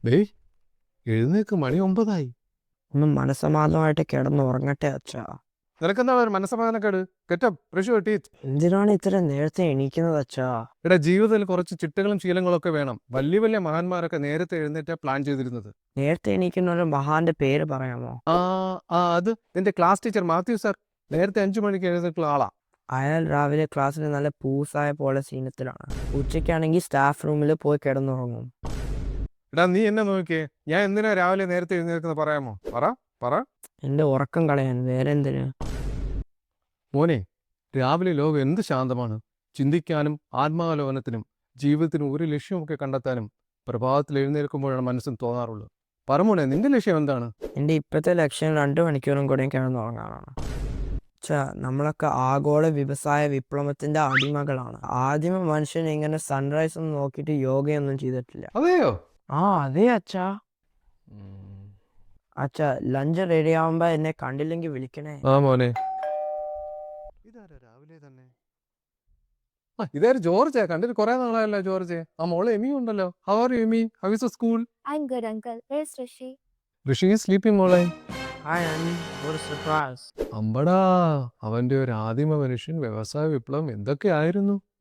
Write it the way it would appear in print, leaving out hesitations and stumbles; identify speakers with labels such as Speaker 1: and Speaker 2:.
Speaker 1: ഡേയ് എഴുന്നേക്ക്, മണി 9
Speaker 2: ഒന്ന് മനസ്സമാധാനമായിട്ട് കിടന്നുറങ്ങട്ടെ അച്ഛാ.
Speaker 1: നിനക്കെന്താ ഒരു മനസ്സമാധാനക്കേട്? Get up, brush your teeth.
Speaker 2: എന്തിനാണ് ഇത്ര നേരത്തെ എണീക്കുന്നത് അച്ഛാ?
Speaker 1: എടാ, ജീവിതത്തിൽ കുറച്ച് ചിട്ടകളും ശീലങ്ങളും ഒക്കെ വേണം. വലിയ വലിയ മഹാന്മാരൊക്കെ നേരത്തെ എഴുന്നേറ്റാ പ്ലാൻ ചെയ്തിരുന്നത്.
Speaker 2: നേരത്തെ എണീക്കുന്ന ഒരു മഹാന്റെ പേര് പറയാമോ?
Speaker 1: ആ അത് നിന്റെ ക്ലാസ് ടീച്ചർ മാത്യു സാർ നേരത്തെ 5 മണിക്ക് എഴുന്നേറ്റുള്ള ആളാ.
Speaker 2: അയാൾ രാവിലെ ക്ലാസ്സിൽ നല്ല പൂസായ പോലെ സീനത്തിലാണ്. ഉച്ചയ്ക്കാണെങ്കിൽ സ്റ്റാഫ് റൂമിൽ പോയി കിടന്നുറങ്ങും.
Speaker 1: എടാ, നീ എന്നെ നോക്കിയേ, ഞാൻ എന്തിനാ രാവിലെ നേരത്തെ എഴുന്നേൽക്കുന്നത് പറയാമോ? പറ പറ
Speaker 2: എന്റെ ഉറക്കം കളയാൻ, വേറെ എന്തിന്?
Speaker 1: മോനെ, രാവിലെ ലോകം എന്ത് ശാന്തമാണ്. ചിന്തിക്കാനും ആത്മാവലോകനത്തിനും ജീവിതത്തിന് ഒരു ലക്ഷ്യമൊക്കെ കണ്ടെത്താനും പ്രഭാതത്തിൽ എഴുന്നേൽക്കുമ്പോഴാണ് മനസ്സിന് തോന്നാറുള്ളത്. പറമോനെ, നിന്റെ ലക്ഷ്യം എന്താണ്?
Speaker 2: എന്റെ ഇപ്പോഴത്തെ ലക്ഷ്യം 2 മണിക്കൂറും കൂടെ കിടന്നുറങ്ങാനാണ്. നമ്മളൊക്കെ ആഗോള വ്യവസായ വിപ്ലവത്തിന്റെ അടിമകളാണ്. ആദ്യമ മനുഷ്യൻ ഇങ്ങനെ സൺറൈസ് ഒന്നും നോക്കിയിട്ട് യോഗയൊന്നും ചെയ്തിട്ടില്ല.
Speaker 1: അതെയോ?
Speaker 2: അതെ അച്ഛാ. അച്ഛാ, ലഞ്ച് റെഡി ആവുമ്പോ എന്നെ കണ്ടില്ലെങ്കിൽ വിളിക്കണേ.
Speaker 1: ആ മോനെ, ഇതാരാ രാവിലെ തന്നെ? ഇതാര്? ജോർജ്. കണ്ടിട്ട് കുറെ നാളായല്ലോ ജോർജ്. ആ മോള് എമി ഉണ്ടല്ലോ. How are you Emi? How is the school?
Speaker 3: I'm good, uncle. Where's Rishi?
Speaker 1: Rishi is sleeping മോളെ.
Speaker 2: ഹായ് ആൻറ്റി, ഒരു സർപ്രൈസ്.
Speaker 1: അമ്പടാ, അവന്റെ ഒരു ആദിമ മനുഷ്യൻ, വ്യവസായ വിപ്ലവം എന്തൊക്കെയായിരുന്നു.